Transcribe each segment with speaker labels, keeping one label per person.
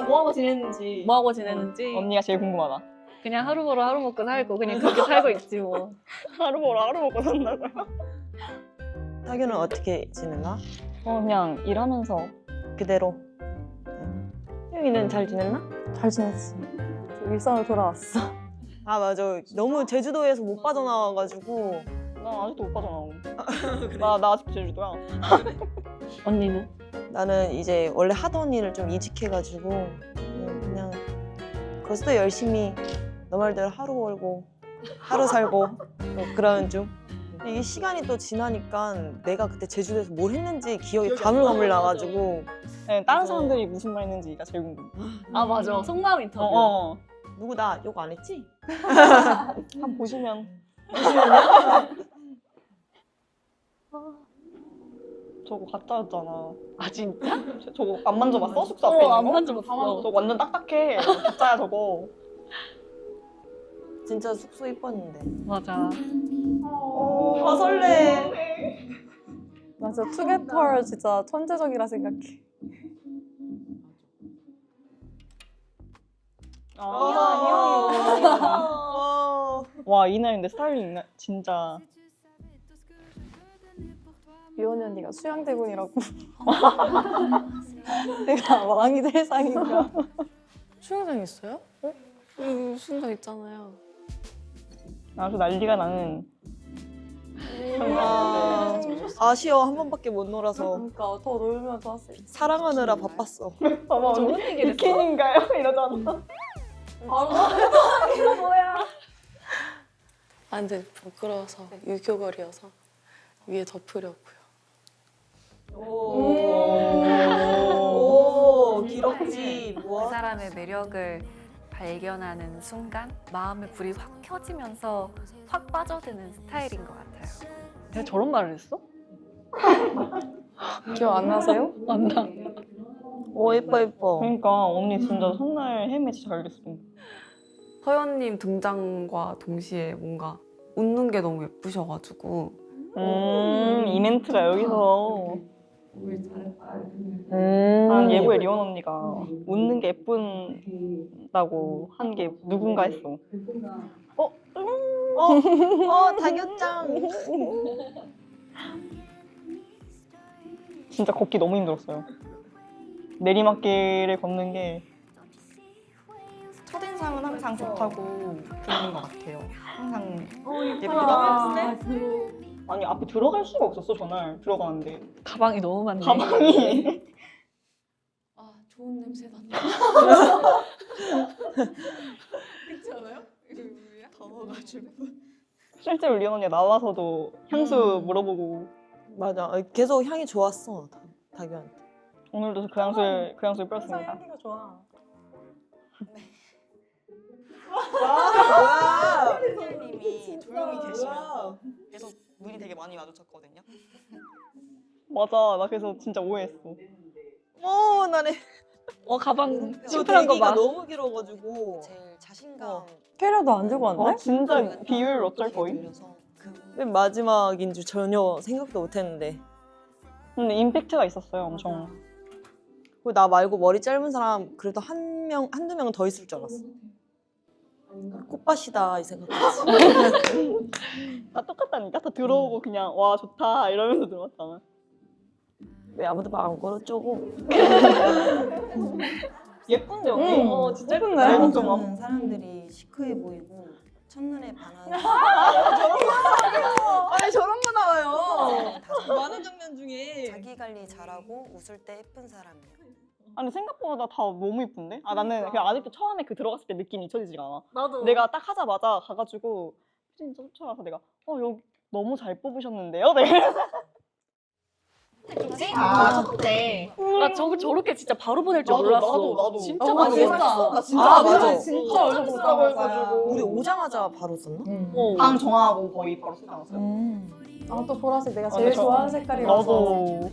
Speaker 1: 뭐하고 지냈는지.
Speaker 2: 뭐하고 지냈는지.
Speaker 3: 언니가 제일 궁금하다.
Speaker 2: 그냥 하루 벌어 하루 먹고 살고 그냥 그렇게 살고 있지 뭐.
Speaker 3: 하루 벌어 하루 먹고 산다고요?
Speaker 4: 타규는 어떻게 지냈나?
Speaker 3: 그냥 일하면서
Speaker 4: 그대로. 혜영이는 잘 지냈나?
Speaker 5: 잘 지냈어. 일상으로 돌아왔어.
Speaker 4: 아 맞아. 너무 제주도에서 못 빠져나와가지고.
Speaker 3: 나 아직도 못 빠져나오고. 나 아직 제주도야.
Speaker 2: 언니는?
Speaker 4: 나는 이제 원래 하던 일을 좀 이직해가지고 그냥 거기서도 열심히 너 말대로 하루 벌고 하루 살고 뭐 그러는 중. 이게 시간이 또 지나니까 내가 그때 제주도에서 뭘 했는지 기억이 가물가물 나가지고.
Speaker 3: 네, 다른 사람들이 무슨 말 했는지가 제일 궁금해.
Speaker 2: 아 맞아. 속마음 인터뷰.
Speaker 4: 누구 나 욕 안 했지?
Speaker 3: 한번 보시면. 저거 가짜였잖아.
Speaker 2: 아 진짜?
Speaker 3: 저거 안 만져봤어? 숙소 앞에 있는 거?
Speaker 2: 안 만져봤어.
Speaker 3: 저거 완전 딱딱해. 가짜야 저거.
Speaker 4: 진짜 숙소 이뻤는데.
Speaker 2: 맞아.
Speaker 4: 아 설레.
Speaker 5: 나 진짜 투게터 진짜 천재적이라 생각해.
Speaker 3: 와 이날 근데 스타일링 진짜.
Speaker 5: 유원이 언니가 수양대군이라고. 내가 왕이 될 상인가?
Speaker 6: 수영장 있어요? 수영장 있잖아요.
Speaker 3: 아주 난리가 나는.
Speaker 4: 아쉬워 한 번밖에 못 놀아서
Speaker 5: 그러니까 더 놀면 좋았을 텐데.
Speaker 4: 사랑하느라 바빴어.
Speaker 3: 봐봐 언니 비키니인가요? 이러잖아.
Speaker 6: 아 근데 부끄러워서 유교걸이어서 위에 덮으려고요.
Speaker 4: 오 기럭지
Speaker 7: 그
Speaker 4: 뭐?
Speaker 7: 사람의 매력을 발견하는 순간 마음의 불이 확 켜지면서 확 빠져드는 스타일인 것 같아요.
Speaker 2: 내가 저런 말을 했어?
Speaker 5: 기억 안 나세요?
Speaker 2: 안 나.
Speaker 4: 오 예뻐 예뻐.
Speaker 3: 그러니까 언니 진짜 첫날 헬멧 진짜 잘 됐어.
Speaker 8: 서연님 등장과 동시에 뭔가 웃는 게 너무 예쁘셔가지고
Speaker 3: 이 멘트가 여기서. 난 예고에 리온 언니가 웃는 게 예쁜다고 한 게 누군가 했어.
Speaker 4: 다교짱.
Speaker 3: 진짜 걷기 너무 힘들었어요. 내리막길을 걷는 게 첫인상은 항상 좋다고 듣는 것 같아요. 항상 예쁘다. 아니 앞에 들어갈 수가 없었어 전날 들어가는데
Speaker 2: 가방이 너무 많네.
Speaker 3: 가방이
Speaker 6: 아 좋은 냄새 난다. 그렇지 않아요?
Speaker 4: 더워가지고.
Speaker 3: 실제로 리온 언니가 나와서도 향수 물어보고
Speaker 4: 맞아. 계속 향이 좋았어 다교한테.
Speaker 3: 오늘도 그 향수를
Speaker 5: 항상
Speaker 3: 뿌렸습니다.
Speaker 5: 향기가 좋아.
Speaker 4: 뭐야?
Speaker 9: 님이 조용히 계시면서 계속 눈이 되게 많이 마주쳤거든요.
Speaker 3: 맞아 나 그래서 진짜 오해했어.
Speaker 4: 나네.
Speaker 2: 가방
Speaker 4: 저
Speaker 2: 심플한 거
Speaker 4: 대기가
Speaker 2: 봐.
Speaker 4: 너무 길어가지고.
Speaker 9: 제일 자신감
Speaker 5: 캐리어도 안 들고 왔네?
Speaker 3: 진짜 비율 어쩔 거임?
Speaker 9: 들려서
Speaker 4: 맨 마지막인 줄 전혀 생각도 못했는데.
Speaker 3: 근데 임팩트가 있었어요 엄청.
Speaker 4: 그리고 나 말고 머리 짧은 사람 그래도 한두 명은 더 있을 줄 알았어. 꽃밭이다 이 생각했지.
Speaker 3: 나 똑같다니까 다 들어오고 그냥 와 좋다 이러면서 들어왔잖아.
Speaker 4: 왜 아무도 말 안 걸어주고.
Speaker 3: 예쁜데 언니?
Speaker 2: 진짜
Speaker 3: 내
Speaker 2: 예쁜데?
Speaker 3: 걱정함.
Speaker 9: 사람들이 시크해 보이고 첫눈에 반하는
Speaker 4: 아니 저런 거 나와요.
Speaker 9: 다섯
Speaker 4: 많은 장면 중에.
Speaker 9: 자기 관리 잘하고 웃을 때 예쁜 사람이에요.
Speaker 3: 아니 생각보다 다 너무 예쁜데? 나는 그냥 아직도 처음에 그 들어갔을 때 느낌이 잊혀지지가 않아.
Speaker 2: 나도.
Speaker 3: 내가 딱 하자마자 가가지고 피디님 쫓아가서 내가 여기 너무 잘 뽑으셨는데요? 내가
Speaker 1: 첫째.
Speaker 2: 나 저렇게 진짜 바로 보낼 줄
Speaker 3: 나도,
Speaker 2: 몰랐어.
Speaker 3: 나도.
Speaker 2: 진짜 많이
Speaker 4: 진짜.
Speaker 2: 했다.
Speaker 4: 나 진짜
Speaker 3: 맞아.
Speaker 4: 진짜
Speaker 3: 얼굴 보자고 해가지고.
Speaker 4: 우리 오자마자 바로 썼나?
Speaker 3: 방 정하고 거의 바로 쓰지 않았어요?
Speaker 5: 아 또 보라색 내가
Speaker 3: 아,
Speaker 5: 제일
Speaker 3: 근데 저-
Speaker 5: 좋아하는 색깔이라서.
Speaker 3: 나도.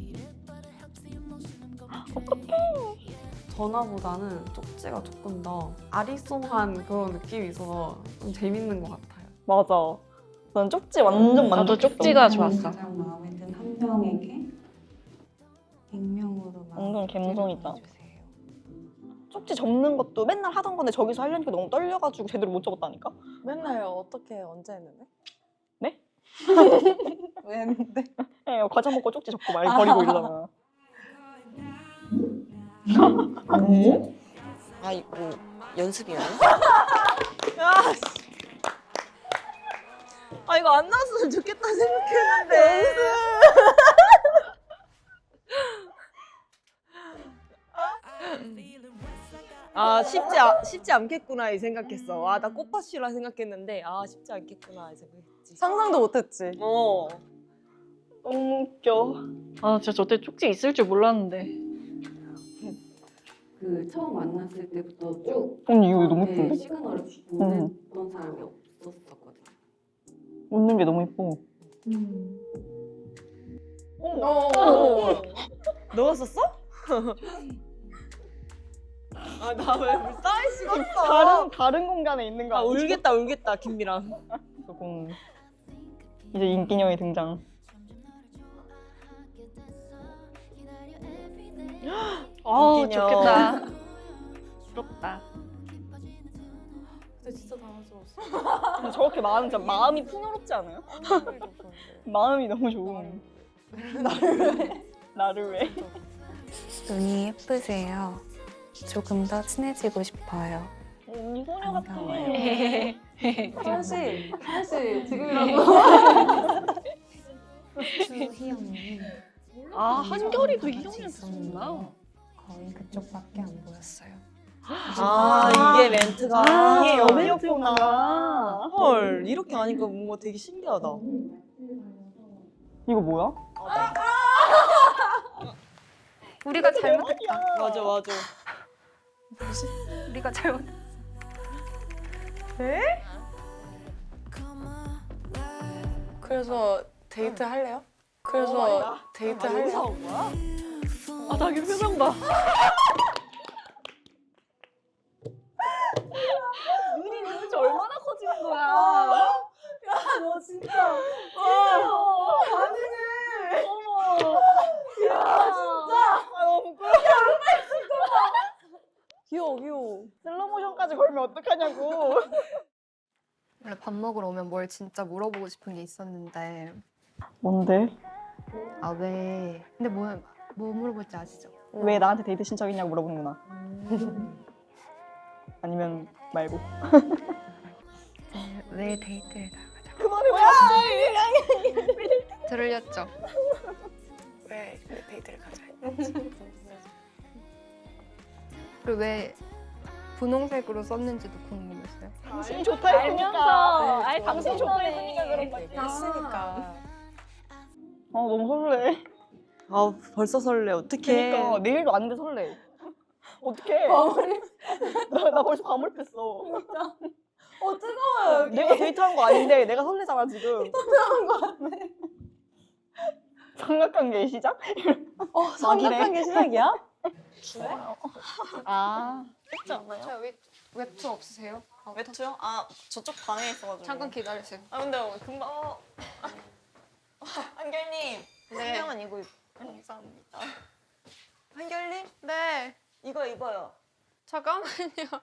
Speaker 8: 전화보다는 쪽지가 조금 더 아리송한 그런 느낌이 있어서 좀 재밌는 것 같아요.
Speaker 3: 맞아. 난 쪽지 완전
Speaker 2: 나도
Speaker 3: 만족했어.
Speaker 2: 쪽지가 좋았어.
Speaker 10: 가장 마음에 든 한 명에게 익명으로
Speaker 3: 완전 감성 있다.
Speaker 10: 보내주세요.
Speaker 3: 쪽지 접는 것도 맨날 하던 건데 저기서 하려니까 너무 떨려가지고 제대로 못 접었다니까?
Speaker 5: 맨날 어떻게 언제 했는데?
Speaker 3: 네?
Speaker 5: 왜 했는데?
Speaker 3: 네, 과자 먹고 쪽지 접고 말 버리고 이러다가.
Speaker 4: 아 이거 연습이야? 아 이거 안 나왔으면 좋겠다 생각했는데. 아 쉽지 않겠구나 이 생각했어. 아 나 꽃밭이라 생각했는데 아 쉽지 않겠구나 이 생각했지.
Speaker 5: 상상도 못했지.
Speaker 4: 어.
Speaker 3: 너무 웃겨.
Speaker 2: 아 진짜 저 때 쪽지 있을 줄 몰랐는데.
Speaker 8: 그 처음 만났을 때부터 쭉
Speaker 3: 언니 이거 너무
Speaker 8: 네,
Speaker 3: 예쁜데?
Speaker 8: 시그널을 주고
Speaker 3: 응.
Speaker 8: 보냈던 사람이 없었었거든요.
Speaker 3: 웃는 게 너무 예뻐.
Speaker 4: 너가 썼어? 아 나 왜 싸이 식었어?
Speaker 3: 다른 공간에 있는 거
Speaker 4: 아
Speaker 3: 아니지?
Speaker 4: 울겠다 김미랑.
Speaker 3: 조금 이제 인기녀의 등장.
Speaker 2: 아
Speaker 4: 인기녀.
Speaker 2: 좋겠다. 부럽다.
Speaker 6: 근데 진짜 당황스러웠어.
Speaker 3: 근데 저렇게 진짜 마음이 풍요롭지 않아요? 마음이 너무 좋은. 나를 왜?
Speaker 7: 눈이 예쁘세요. 조금 더 친해지고 싶어요.
Speaker 3: 언니 소녀 같아.
Speaker 5: 현씨 지금이라도.
Speaker 7: 주희언니
Speaker 2: 아 한결이도 희영이한테 썼구나.
Speaker 7: 거의 그쪽밖에 안 보였어요.
Speaker 4: 아 이게 멘트가
Speaker 3: 이게 여배우였구나.
Speaker 4: 헐 이렇게 하니까 뭔가 되게 신기하다.
Speaker 3: 이거 뭐야?
Speaker 7: 우리가 잘못했다.
Speaker 4: 맞아.
Speaker 7: 우리가 잘못.
Speaker 6: 그래서 데이트 할래요? 그래서 데이트 할래요?
Speaker 2: 아 자기 표정 봐.
Speaker 3: 눈이 도대체 얼마나 커지는 거야?
Speaker 5: 너 진짜.
Speaker 3: 아 너무 부끄러워.
Speaker 5: 귀여워.
Speaker 3: 슬로모션까지 걸면 어떡하냐고.
Speaker 10: 원래 밥 먹으러 오면 뭘 진짜 물어보고 싶은 게 있었는데
Speaker 3: 뭔데?
Speaker 10: 아 왜? 근데 뭐 물어볼지 아시죠?
Speaker 3: 왜 나한테 데이트 신청했냐고 물어보는구나. 아니면 말고.
Speaker 10: 왜 데이트를 나가자?
Speaker 3: 그만해.
Speaker 10: 들렸죠?
Speaker 6: 왜 데이트를 가자.
Speaker 10: 그리고 왜 분홍색으로 썼는지도 궁금했어요.
Speaker 3: 당신이 좋다 했으니까.
Speaker 2: 아이
Speaker 3: 당신이 좋다 했으니까 그런 거지.
Speaker 6: 했으니까.
Speaker 3: 너무 설레.
Speaker 4: 아 벌써 설레. 어떡해.
Speaker 3: 그러니까 내일도 아닌데 설레. 어떡해. 나 벌써 과몰입했어.
Speaker 5: 뜨거워요.
Speaker 3: 내가 데이트한 거 아닌데 내가 설레잖아 지금.
Speaker 5: 하는 거 같네.
Speaker 3: 삼각관계 시작?
Speaker 5: 삼각관계 시작이야?
Speaker 3: 아.
Speaker 10: 저 웹툰 없으세요?
Speaker 9: 외투요? 아 저쪽 방에 있어가지고.
Speaker 10: 잠깐 기다리세요.
Speaker 9: 아 근데 금방. 한결님.
Speaker 10: 네.
Speaker 9: 한명은 이거 감사합니다.
Speaker 4: 한결님
Speaker 10: 네.
Speaker 4: 이거 입어요.
Speaker 10: 잠깐만요.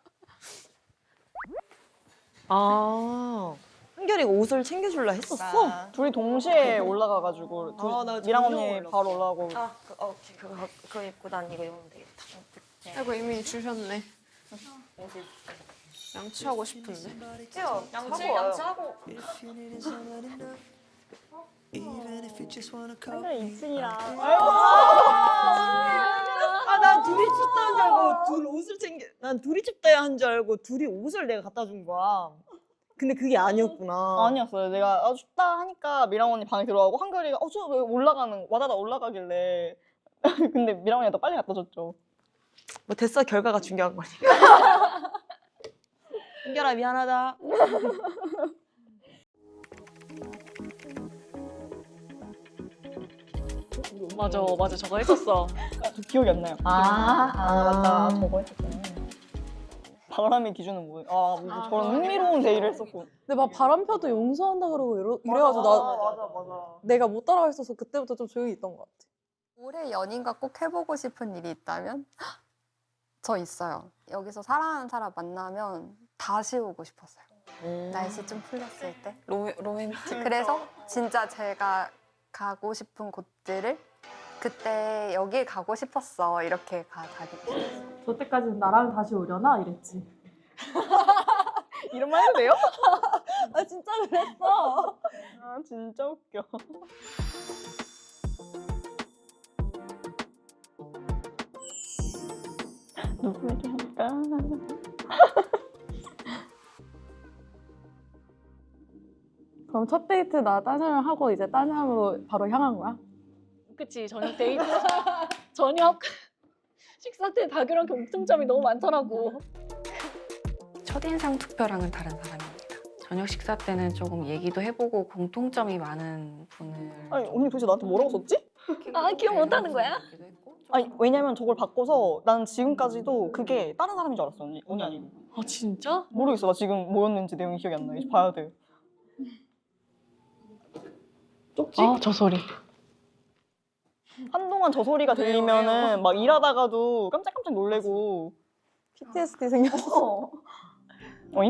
Speaker 4: 아 한결이가 옷을 챙겨줄라 했었어?
Speaker 3: 둘이 동시에 올라가가지고
Speaker 4: 나
Speaker 3: 미랑
Speaker 4: 전혀
Speaker 3: 언니
Speaker 4: 몰랐어.
Speaker 3: 바로 올라가고.
Speaker 4: 오케이 그거 입고 난 이거 입으면 되겠다.
Speaker 6: 아이고 이미 주셨네. 양치하고 싶은데.
Speaker 4: 양치하고
Speaker 3: 한결이 2층이라.
Speaker 4: 난 둘이 춥다는 줄 알고 난 둘이 춥다 한 줄 알고 둘이 옷을 내가 갖다 준 거야. 근데 그게 아니었구나.
Speaker 3: 아니었어요. 내가 춥다 하니까 미랑 언니 방에 들어가고 한결이가 저 왜 와다다 올라가길래. 근데 미랑 언니가 더 빨리 갖다 줬죠.
Speaker 4: 뭐 됐어 결과가 중요한 거니까. 한결아 미안하다.
Speaker 2: 맞아 저거 했었어.
Speaker 3: 기억이 안 나요. 맞다. 저거 했었잖아. 바람의 기준은 뭐예요? 저런 흥미로운 데이를 했었고.
Speaker 5: 근데 막 바람 펴도 용서한다 그러고 이래가지고
Speaker 3: 맞아.
Speaker 5: 내가 못 따라가있어서 그때부터 좀 조용히 있던 것 같아.
Speaker 10: 올해 연인과 꼭 해보고 싶은 일이 있다면? 저 있어요. 여기서 사랑하는 사람 만나면 다시 오고 싶었어요. 날씨 좀 풀렸을 때.
Speaker 6: 로맨틱.
Speaker 10: 그래서 진짜 제가 가고 싶은 곳들을 그때 여길 가고 싶었어 이렇게 다니고 있어요.
Speaker 5: 저 때까지는 나랑 다시 오려나 이랬지.
Speaker 3: 이런 말 해도 돼요?
Speaker 5: 아 진짜 그랬어.
Speaker 3: 아 진짜 웃겨. 누구에게 할까?
Speaker 5: 그럼 첫 데이트 나 딴 사람 하고 이제 딴 사람으로 바로 향한 거야?
Speaker 2: 그치, 저녁 데이트. 저녁 식사 때 다규랑 공통점이 너무 많더라고.
Speaker 7: 첫인상 투표랑은 다른 사람입니다. 저녁 식사 때는 조금 얘기도 해보고 공통점이 많은 분을
Speaker 3: 아니 언니 도대체 나한테 뭐라고 썼지?
Speaker 2: 아, 기억 못하는 거야?
Speaker 3: 아니 왜냐면 저걸 바꿔서 나는 지금까지도 그게 다른 사람인 줄 알았어 언니 아니고.
Speaker 2: 아, 진짜?
Speaker 3: 모르겠어 나 지금 뭐였는지 내용이 기억이 안 나. 이제 봐야 돼. 쪽지?
Speaker 2: 아, 저 소리.
Speaker 3: 한동안 저 소리가 들리면은 막 일하다가도 깜짝깜짝 놀래고.
Speaker 5: PTSD 생겼어.
Speaker 3: 어잉?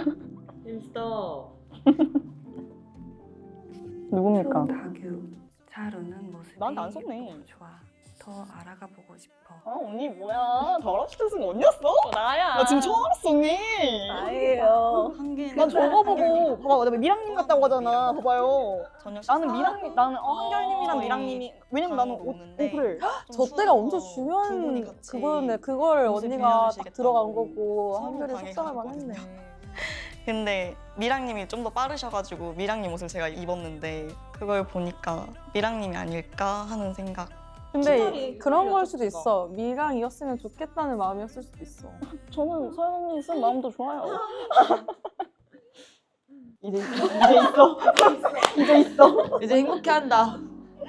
Speaker 3: 누굽니까?
Speaker 7: 다규 잘 웃는 모습이
Speaker 3: 나한테 안 썼네.
Speaker 7: 예쁘고 좋아. 더 알아가 보고 싶어.
Speaker 3: 아 언니 뭐야? 잘하시는 언니였어?
Speaker 2: 나야.
Speaker 3: 나 지금 처음 알았어 언니.
Speaker 2: 아니에요.
Speaker 3: 난 저거 보고 봐봐 내가 미랑님 같다고 하잖아. 봐봐요.
Speaker 9: 저녁
Speaker 3: 나는 미랑님 나는 한결님이랑 미랑님이 왜냐면 나는
Speaker 9: 오는데
Speaker 3: 그래.
Speaker 5: 저 때가 엄청 중요한 그거였네. 그걸
Speaker 9: 모습
Speaker 5: 언니가 딱
Speaker 9: 변형하시겠다고
Speaker 5: 들어간 거고
Speaker 9: 서로
Speaker 5: 한결이
Speaker 9: 방에
Speaker 5: 속상할만
Speaker 9: 갔거든요.
Speaker 5: 했네.
Speaker 9: 근데 미랑님이 좀 더 빠르셔가지고 미랑님 옷을 제가 입었는데 그걸 보니까 미랑님이 아닐까 하는 생각.
Speaker 5: 근데
Speaker 3: 친절히
Speaker 5: 그런 걸 수도
Speaker 3: 그려줬어.
Speaker 5: 있어. 미랑이었으면 좋겠다는 마음이었을 수도 있어.
Speaker 3: 저는 서연 언니 쓴 마음도 좋아요. 이제 있어. 이제 있어.
Speaker 4: 이제 행복해한다.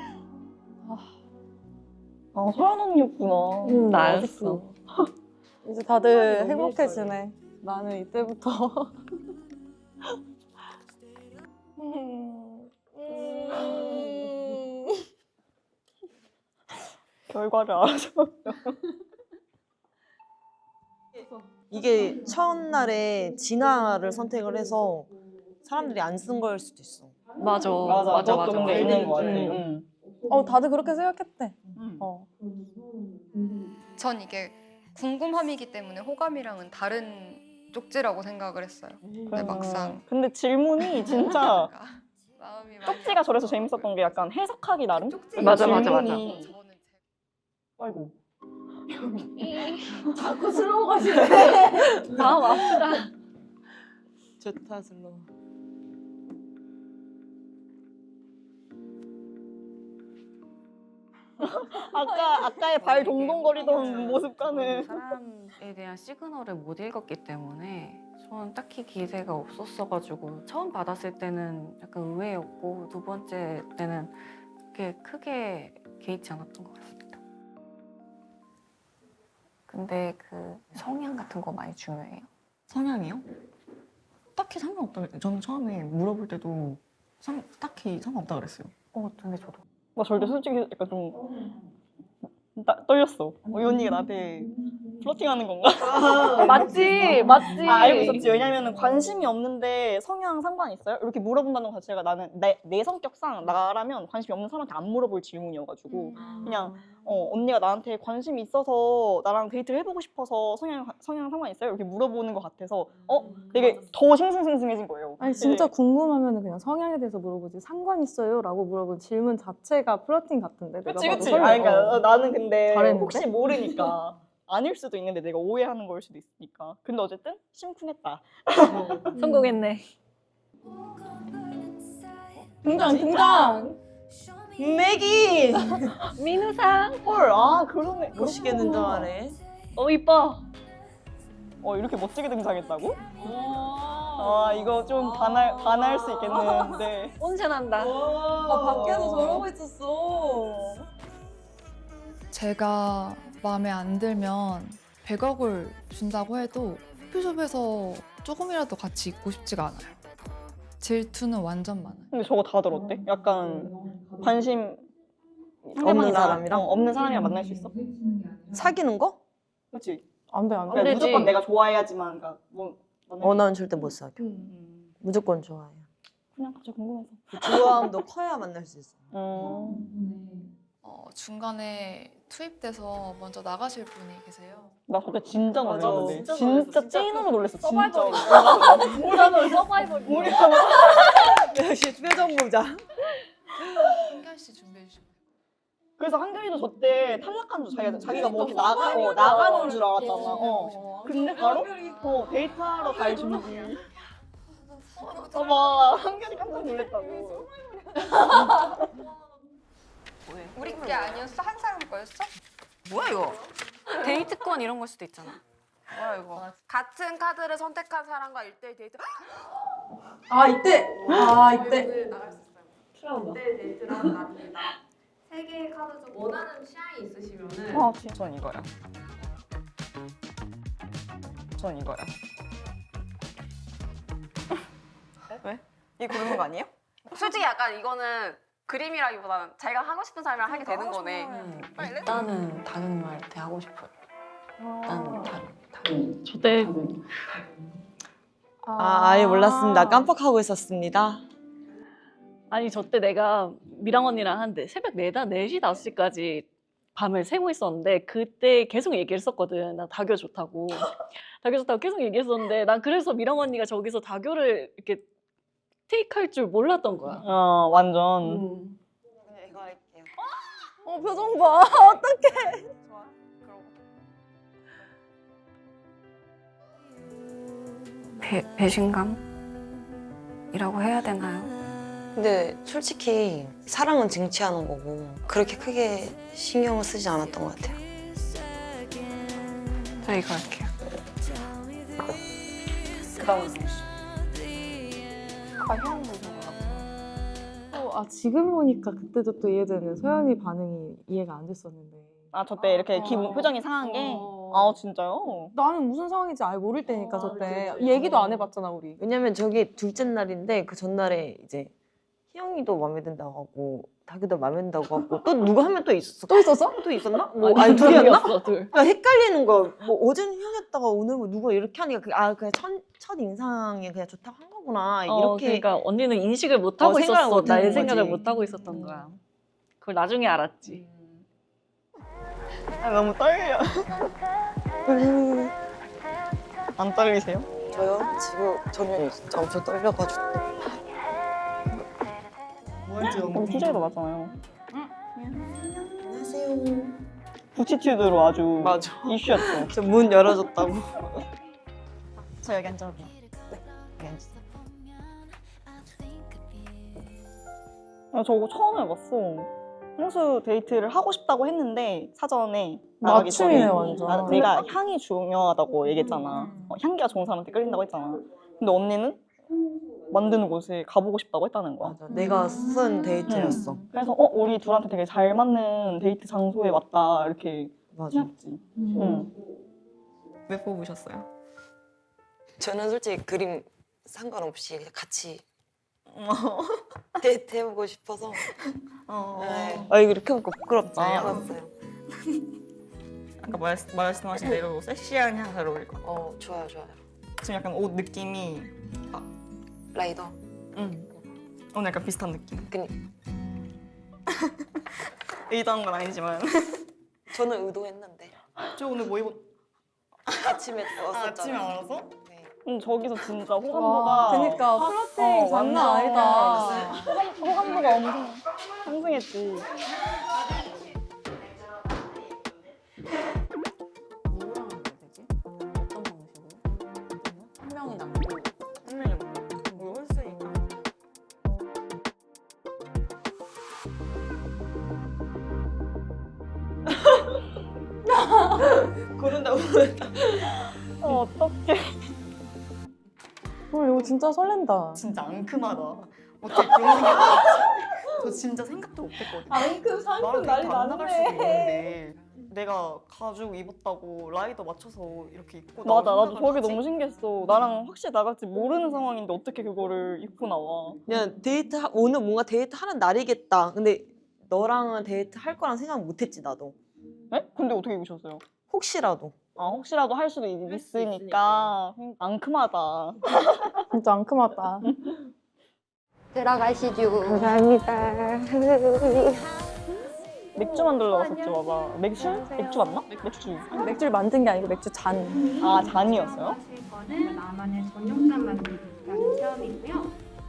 Speaker 3: 아 서연 언니였구나.
Speaker 2: 나였어.
Speaker 5: 이제 다들
Speaker 3: 너무
Speaker 5: 행복해지네. 나는 이때부터
Speaker 3: 결과를 알아서.
Speaker 4: 이게 첫날에 진화를 선택을 해서 사람들이 안 쓴 걸 수도 있어.
Speaker 2: 맞아.
Speaker 3: 그것도 근데 있는 거 같아.
Speaker 2: 응.
Speaker 5: 다들 그렇게 생각했대.
Speaker 3: 응.
Speaker 10: 전 이게 궁금함이기 때문에 호감이랑은 다른 쪽지라고 생각을 했어요. 근데 막상
Speaker 3: 근데 질문이 진짜
Speaker 10: 마음이 많이
Speaker 3: 쪽지가 저래서 재밌었던 게 약간 해석하기 나름?
Speaker 2: 맞아, 맞아, 맞아.
Speaker 3: 질문이-
Speaker 10: 저는
Speaker 3: 아이고.
Speaker 5: 자꾸 슬로우 가시네.
Speaker 2: 마음 아프다.
Speaker 4: 좋다 슬로.
Speaker 3: 아까의 발 동동거리던 모습과는
Speaker 7: 사람에 대한 시그널을 못 읽었기 때문에 저는 딱히 기대가 없었어가지고 처음 받았을 때는 약간 의외였고 두 번째 때는 그렇게 크게 개의치 않았던 것 같습니다. 근데 그 성향 같은 거 많이 중요해요.
Speaker 9: 성향이요? 딱히 상관없다. 저는 처음에 물어볼 때도 딱히 상관없다 그랬어요.
Speaker 7: 근데 저도
Speaker 3: 나 절대 솔직히 약간 좀 떨렸어. 이 언니가 나한테 플러팅하는 건가?
Speaker 2: 맞지, 맞지.
Speaker 3: 알고 있었지. 왜냐면 관심이 없는데 성향 상관 있어요? 이렇게 물어본다는 것 자체가 나는 내 성격상 나라면 관심이 없는 사람한테 안 물어볼 질문이어가지고 그냥 언니가 나한테 관심이 있어서 나랑 데이트를 해보고 싶어서 성향 상관 있어요? 이렇게 물어보는 것 같아서 되게 더 싱숭생숭해진 거예요.
Speaker 5: 아니 진짜 궁금하면 그냥 성향에 대해서 물어보지 상관 있어요? 라고 물어본 질문 자체가 플러팅 같은데. 내가
Speaker 3: 그치
Speaker 5: 봐도
Speaker 3: 그치.
Speaker 5: 설레.
Speaker 3: 그러니까 나는 근데
Speaker 5: 잘했는데?
Speaker 3: 혹시 모르니까 아닐 수도 있는데 내가 오해하는 걸 수도 있으니까. 근데 어쨌든 심쿵했다.
Speaker 2: 성공했네.
Speaker 3: 등장.
Speaker 4: 맥이
Speaker 2: 민우상.
Speaker 3: 헐, 그러네.
Speaker 4: 멋있게 등장하네.
Speaker 2: 이뻐.
Speaker 3: 이렇게 멋지게 등장했다고? 이거 좀 반할 수 있겠는데.
Speaker 2: 온천한다.
Speaker 5: 밖에서 저러고 있었어.
Speaker 6: 제가 마음에 안 들면 100억을 준다고 해도 커피숍에서 조금이라도 같이 있고 싶지가 않아요. 질투는 완전 많아요.
Speaker 3: 근데 저거 다 들었대? 약간 관심
Speaker 4: 없는 사람이랑?
Speaker 3: 없는 사람이랑 만날 수 있어?
Speaker 4: 사귀는 거?
Speaker 3: 그치?
Speaker 5: 안 돼, 안
Speaker 3: 그러니까
Speaker 5: 돼.
Speaker 2: 되지.
Speaker 3: 무조건 내가 좋아해야지만 그러니까 뭐
Speaker 4: 난 절대 못 사겨. 무조건 좋아해요.
Speaker 3: 그냥 갑자기 궁금해서.
Speaker 4: 좋아함도 커야 만날 수 있어요.
Speaker 6: 중간에 투입돼서 먼저 나가실 분이 계세요.
Speaker 3: 나 그때 진짜
Speaker 4: 맞아.
Speaker 3: 놀랐는데.
Speaker 2: 진짜
Speaker 3: 진짜
Speaker 2: 놀랐어.
Speaker 3: 찐으로 놀랐어. 진짜.
Speaker 2: 서바이벌이다. 뭐라는 서바이벌.
Speaker 4: 역시 표정 보자.
Speaker 6: 한결 씨 준비해 주시면 돼요.
Speaker 3: 그래서 한결이도 저때 탈락한 줄 자기가 뭐 이렇게 나가는 줄 알았잖아. 근데 바로 데이트하러 갈 준비. 막 한결이 깜짝 놀랐다고.
Speaker 10: 우리 게 아니었어? 한 사람 거였어?
Speaker 7: 뭐야 이거? 데이트권 이런 걸 수도 있잖아.
Speaker 10: 뭐야 이거? 같은 카드를 선택한 사람과 1대1 데이트.
Speaker 5: 아, 이때! 아, 이때!
Speaker 8: 나갈 수 있어요. 네, 데이트라는 날입니다. 세 개의 카드 중 원하는 취향이 있으시면은
Speaker 3: 전 이거야. 전 이거야. 왜? 이거 고르는 거 아니에요?
Speaker 10: 솔직히 약간 이거는 그림이라기보다는 자기가 하고 싶은 사람이랑 하게 되는 거네.
Speaker 7: 일단은 다경님한테 하고 싶어요. 일단 다경.
Speaker 2: 저때
Speaker 4: 아예 몰랐습니다. 깜빡하고 있었습니다.
Speaker 2: 아니 저때 내가 미랑 언니랑 한데 새벽 4시 5시까지 밤을 새고 있었는데 그때 계속 얘기했었거든. 나 다교 좋다고. 다교 좋다고 계속 얘기했었는데 난 그래서 미랑 언니가 저기서 다교를 이렇게 테이크할 줄 몰랐던 거야.
Speaker 3: 완전.
Speaker 4: 그냥 이거 할게요.
Speaker 5: 표정 봐. 어떡해.
Speaker 7: 배신감이라고 해야 되나요?
Speaker 4: 근데 솔직히 사랑은 쟁취하는 거고 그렇게 크게 신경을 쓰지 않았던 것 같아요.
Speaker 7: 저 이거 할게요.
Speaker 5: 지금 보니까 그때도 또 이해되는 소연이 반응이 이해가 안 됐었는데.
Speaker 3: 저때 이렇게 기분 표정이 상한 게. 진짜요?
Speaker 5: 나는 무슨 상황인지 아예 모를 때니까 저때 얘기도 안 해봤잖아 우리.
Speaker 4: 왜냐면 저기 둘째 날인데 그 전날에 이제 희영이도 마음에 든다고 하고 다규도 마음에 든다고 하고 또 누가 하면 또 있었어.
Speaker 5: 또 있었어?
Speaker 4: 또 있었나? 뭐 아니 둘이었나?
Speaker 2: 둘이었어, 둘.
Speaker 4: 그러니까 헷갈리는 거. 뭐 어제는 희영이었다가 오늘 뭐 누가 이렇게 하니까 그냥 첫 인상이 그냥 좋다고 한 거구나 이렇게.
Speaker 2: 그러니까 언니는 인식을 못 하고
Speaker 4: 생각을
Speaker 2: 있었어.
Speaker 4: 못
Speaker 2: 나의
Speaker 4: 하는
Speaker 2: 생각을
Speaker 4: 거지.
Speaker 2: 못 하고 있었던 거야. 그걸 나중에 알았지.
Speaker 3: 너무 떨려. 안 떨리세요?
Speaker 4: 저요? 지금 전혀 진짜 엄청 떨려가지고.
Speaker 3: TJ도 맞잖아요.
Speaker 4: 안녕하세요.
Speaker 3: 부치튜드로 아주
Speaker 4: 맞아.
Speaker 3: 이슈였죠.
Speaker 4: 저 문 열어줬다고.
Speaker 3: 저 여기 앉아도 돼요? 네. 여기 앉으세요. 저거 처음 해봤어. 향수 데이트를 하고 싶다고 했는데 사전에 나가기 전에
Speaker 5: 맞춤이네 완전.
Speaker 3: 내가 향이 중요하다고 얘기했잖아. 향기가 좋은 사람한테 끌린다고 했잖아. 근데 언니는 만드는 곳에 가보고 싶다고 했다는 거야.
Speaker 4: 맞아. 내가 쓴 데이트였어.
Speaker 3: 그래서 우리 둘한테 되게 잘 맞는 데이트 장소에 왔다 이렇게
Speaker 4: 맞아.
Speaker 3: 했지. 응.
Speaker 9: 왜 뽑으셨어요?
Speaker 4: 저는 솔직히 그림 상관없이 그냥 같이 데이트 해보고 싶어서. 네. 이거 이렇게 하니까 부끄럽지. 알았어요.
Speaker 9: 아까 말씀하신 대로 섹시한 향 잘 어울릴 것 같아요.
Speaker 4: 좋아요, 좋아요.
Speaker 9: 지금 약간 옷 느낌이
Speaker 4: 라이더.
Speaker 9: 오늘 약간 비슷한 느낌.
Speaker 4: 그니.
Speaker 9: 의도한 건 아니지만.
Speaker 4: 저는 의도했는데.
Speaker 9: 저 오늘 뭐 입었?
Speaker 4: 아침에 왔었잖아요.
Speaker 9: 아침에 알아서?
Speaker 4: 네.
Speaker 3: 저기서 진짜 호감도가
Speaker 5: 그니까 플러팅 장난 아니다.
Speaker 3: 호감도가 엄청 상승했지.
Speaker 7: 누구랑 하면 되지? 어떤 방식으로? 한 명이 남고
Speaker 9: 한 명이 뭐 홀수니까.
Speaker 4: 고른다고.
Speaker 3: 어떡해.
Speaker 5: 이거 진짜 설렌다.
Speaker 9: 진짜 앙큼하다. 어떻게 그런 생각? 저 진짜 생각도 못했거든요.
Speaker 5: 앙큼
Speaker 9: 나랑 데이트 안 나갈 수도 있는데 내가 가죽 입었다고 라이더 맞춰서 이렇게 입고 나올
Speaker 3: 맞아, 나도
Speaker 9: 생각을
Speaker 3: 저게
Speaker 9: 하지?
Speaker 3: 너무 신기했어. 나랑 확실히 나갈지 모르는 상황인데 어떻게 그거를 입고 나와.
Speaker 4: 그냥 오늘 뭔가 데이트 하는 날이겠다. 근데 너랑은 데이트 할 거랑 생각 못했지 나도.
Speaker 3: 에? 근데 어떻게 입으셨어요?
Speaker 4: 혹시라도.
Speaker 3: 혹시라도 할 수도 있으니까 앙큼하다.
Speaker 5: 진짜 앙큼하다.
Speaker 10: 들어가시죠.
Speaker 5: 감사합니다.
Speaker 3: 맥주 만들러 갔었지 봐봐. 맥주 맞나? 맥주.
Speaker 5: 맥주를 만든 게 아니고 맥주 잔.
Speaker 3: 아 잔이었어요?
Speaker 11: 거는 나만의 전용잔 만들기라는 체험이고요.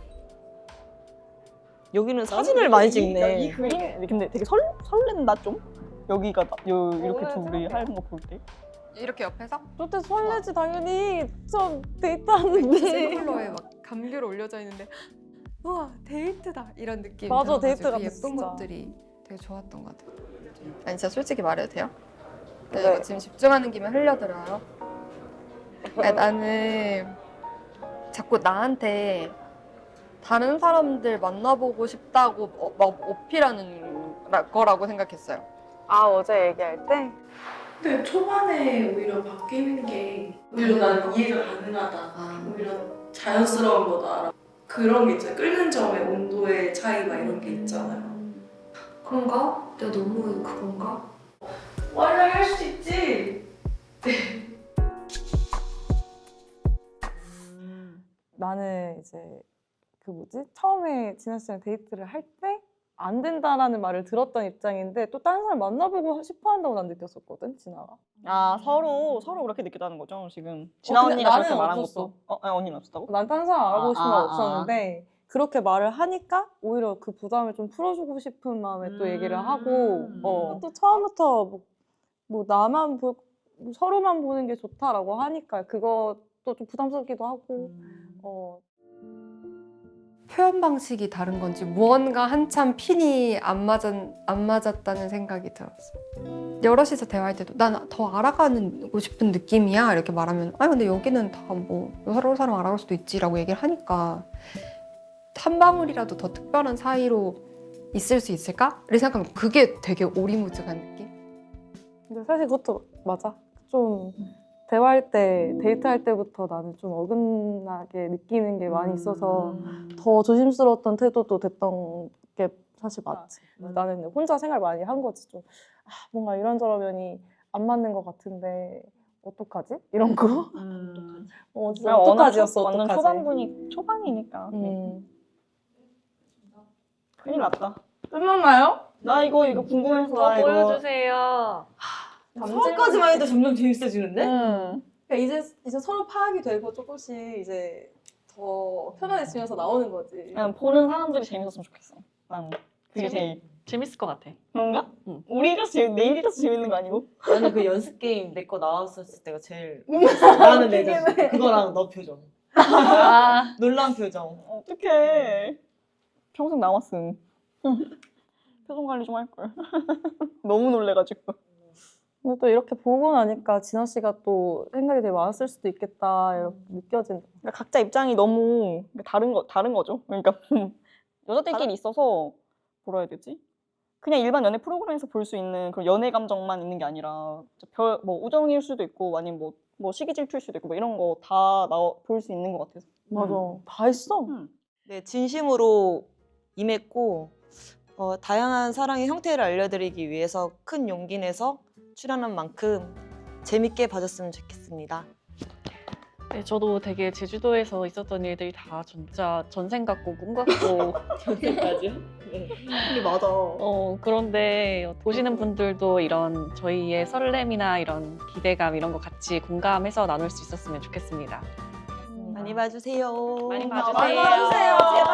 Speaker 4: 여기는 사진을 많이 찍네.
Speaker 3: 이 그림 근데 되게 설렌다 좀. 여기가 이렇게 둘이 하는 거 볼 때.
Speaker 8: 이렇게 옆에서
Speaker 5: 그때 설레지 당연히. 좀 데이트하는데.
Speaker 8: 셀룰러에 막 감귤 올려져 있는데 우와 데이트다 이런 느낌.
Speaker 5: 맞아,
Speaker 8: 들어가지고
Speaker 5: 데이트 같아,
Speaker 8: 예쁜
Speaker 5: 진짜.
Speaker 8: 것들이 되게 좋았던 것 같아요. 아니 진짜 솔직히 말해도 돼요? 네,
Speaker 5: 네.
Speaker 8: 이거 지금 집중하는 김에 흘려들어요. 아니, 나는 자꾸 나한테 다른 사람들 만나보고 싶다고 막 어필하는 거라고 생각했어요.
Speaker 5: 아 어제 얘기할 때?
Speaker 1: 근데 초반에 오히려 바뀌는 게 오히려 나는 이해가 가능하다. 오히려 자연스러운 거다. 그런 게 있잖아요. 끓는 점의 온도의 차이 막 이런 게 있잖아요.
Speaker 11: 그런가? 내가 너무 그건가?
Speaker 1: 원래 할 수 있지.
Speaker 5: 나는 이제 그 뭐지? 처음에 진아 씨랑 데이트를 할 때 안 된다라는 말을 들었던 입장인데 또 다른 사람 만나보고 싶어 한다고 난 느꼈었거든, 진아가.
Speaker 3: 아 서로 그렇게 느꼈다는 거죠 지금. 진아
Speaker 5: 근데
Speaker 3: 언니가
Speaker 5: 나는
Speaker 3: 그렇게 말한
Speaker 5: 없었어.
Speaker 3: 것도. 아니 언니는 없었다고?
Speaker 5: 난 다른 사람 알아보고 싶은 건
Speaker 3: 아.
Speaker 5: 없었는데 그렇게 말을 하니까 오히려 그 부담을 좀 풀어주고 싶은 마음에 또 얘기를 하고 또 처음부터 뭐 나만 뭐 서로만 보는 게 좋다라고 하니까 그것도 좀 부담스럽기도 하고
Speaker 8: 표현 방식이 다른 건지 무언가 한참 핀이 안 맞았다는 생각이 들었어요. 여럿이서 대화할 때도 난 더 알아가고 싶은 느낌이야 이렇게 말하면 아니 근데 여기는 다 뭐 서로 사람 알아갈 수도 있지라고 얘기를 하니까 한 방울이라도 더 특별한 사이로 있을 수 있을까를 생각하면 그게 되게 오리무중한 느낌?
Speaker 5: 근데 사실 그것도 맞아. 좀 대화할 때, 데이트할 때부터 나는 좀 어긋나게 느끼는 게 많이 있어서 더 조심스러웠던 태도도 됐던 게 사실 맞지. 나는 혼자 생각 많이 한 거지. 좀 뭔가 이런저런 면이 안 맞는 것 같은데 어떡하지? 이런 거? 진짜 어떡하지였어,
Speaker 3: 완전
Speaker 5: 어떡하지?
Speaker 3: 초반이니까. 큰일 났다.
Speaker 5: 끝났나요?
Speaker 3: 나 이거 궁금해서 나 이거.
Speaker 2: 보여주세요.
Speaker 4: 처음까지만 해도 점점 재밌어지는데?
Speaker 5: 그러니까 이제 서로 파악이 되고 조금씩 이제 더 편안해지면서 나오는 거지.
Speaker 3: 그냥 보는 사람들이 재밌었으면 좋겠어. 나는 그게 제일.
Speaker 2: 재밌을 것 같아.
Speaker 3: 그런가?
Speaker 2: 응.
Speaker 3: 내일이라서 재밌는 거 아니고?
Speaker 4: 나는 그 연습 게임 내 거 나왔었을 때가 제일 나는 내 자신. 그거랑 너 표정.
Speaker 2: 아,
Speaker 4: 놀란 표정.
Speaker 3: 어떡해. 평생 남았음. 표정 관리 좀 할걸. 너무 놀래가지고.
Speaker 5: 근데 또 이렇게 보고 나니까 진아 씨가 또 생각이 되게 많았을 수도 있겠다 이렇게 느껴진다.
Speaker 3: 그러니까 각자 입장이 너무 다른 거죠. 그러니까 여자들끼리 있어서 뭐라 해야 되지? 그냥 일반 연애 프로그램에서 볼 수 있는 그런 연애 감정만 있는 게 아니라 뭐 우정일 수도 있고 아니면 뭐 시기 질투일 수도 있고 뭐 이런 거 다 볼 수 있는 것 같아서.
Speaker 5: 맞아. 다 있어.
Speaker 4: 네, 진심으로 임했고 다양한 사랑의 형태를 알려드리기 위해서 큰 용기 내서 출연한 만큼 재밌게 봐줬으면 좋겠습니다.
Speaker 2: 네, 저도 되게 제주도에서 있었던 일들이 다 진짜 전생 같고 꿈 같고
Speaker 4: 전생까지요? 네. 근데 맞아.
Speaker 2: 그런데 보시는 분들도 이런 저희의 설렘이나 이런 기대감 이런 거 같이 공감해서 나눌 수 있었으면 좋겠습니다.
Speaker 4: 많이 봐주세요.
Speaker 2: 많이
Speaker 3: 많이
Speaker 2: 봐주세요.
Speaker 3: 봐주세요. 제발.